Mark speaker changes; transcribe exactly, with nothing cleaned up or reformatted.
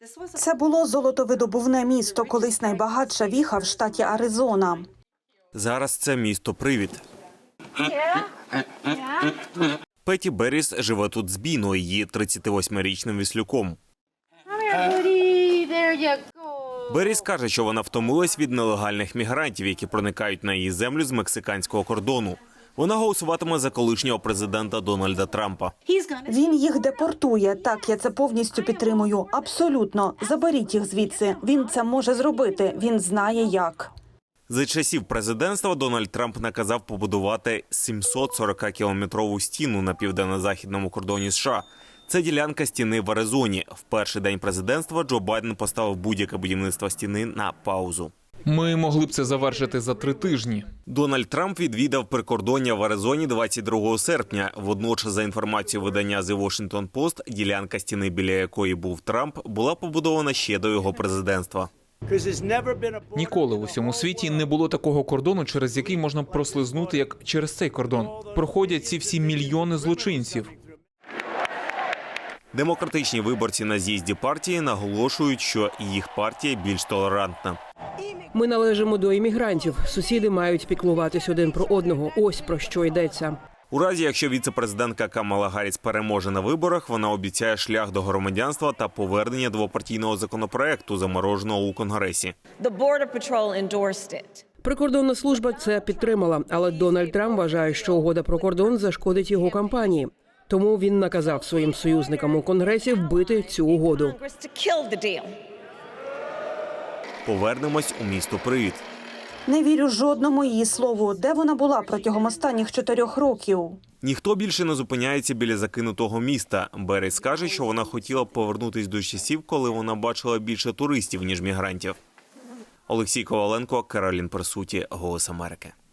Speaker 1: Це було золотовидобувне місто, колись найбагатша віха в штаті Аризона.
Speaker 2: Зараз це місто-привід. Петі Берріс живе тут з Біно, її тридцятивосьмирічним віслюком. Берріс каже, що вона втомилась від нелегальних мігрантів, які проникають на її землю з мексиканського кордону. Вона голосуватиме за колишнього президента Дональда Трампа.
Speaker 1: Він їх депортує. Так, я це повністю підтримую. Абсолютно. Заберіть їх звідси. Він це може зробити. Він знає як.
Speaker 2: За часів президентства Дональд Трамп наказав побудувати сімсот сорокакілометрову стіну на південно-західному кордоні США. Це ділянка стіни в Аризоні. В перший день президентства Джо Байден поставив будь-яке будівництво стіни на паузу.
Speaker 3: Ми могли б це завершити за три тижні.
Speaker 2: Дональд Трамп відвідав прикордоння в Аризоні двадцять другого серпня. Водночас, за інформацією видання The Washington Post, ділянка стіни, біля якої був Трамп, була побудована ще до його президентства.
Speaker 3: Ніколи в усьому світі не було такого кордону, через який можна прослизнути, як через цей кордон. Проходять ці всі мільйони злочинців.
Speaker 2: Демократичні виборці на з'їзді партії наголошують, що їх партія більш толерантна.
Speaker 4: Ми належимо до іммігрантів. Сусіди мають піклуватись один про одного. Ось про що йдеться.
Speaker 2: У разі, якщо віце-президентка Камала Гарріс переможе на виборах, вона обіцяє шлях до громадянства та повернення двопартійного законопроекту, замороженого у Конгресі.
Speaker 4: Прикордонна служба це підтримала, але Дональд Трамп вважає, що угода про кордон зашкодить його кампанії. Тому він наказав своїм союзникам у Конгресі вбити цю угоду.
Speaker 2: Повернемось у місто-привід.
Speaker 1: Не вірю жодному її слову. Де вона була протягом останніх чотирьох років?
Speaker 2: Ніхто більше не зупиняється біля закинутого міста. Берріс каже, що вона хотіла б повернутись до часів, коли вона бачила більше туристів, ніж мігрантів. Олексій Коваленко, Каролін Персуті, Голос Америки.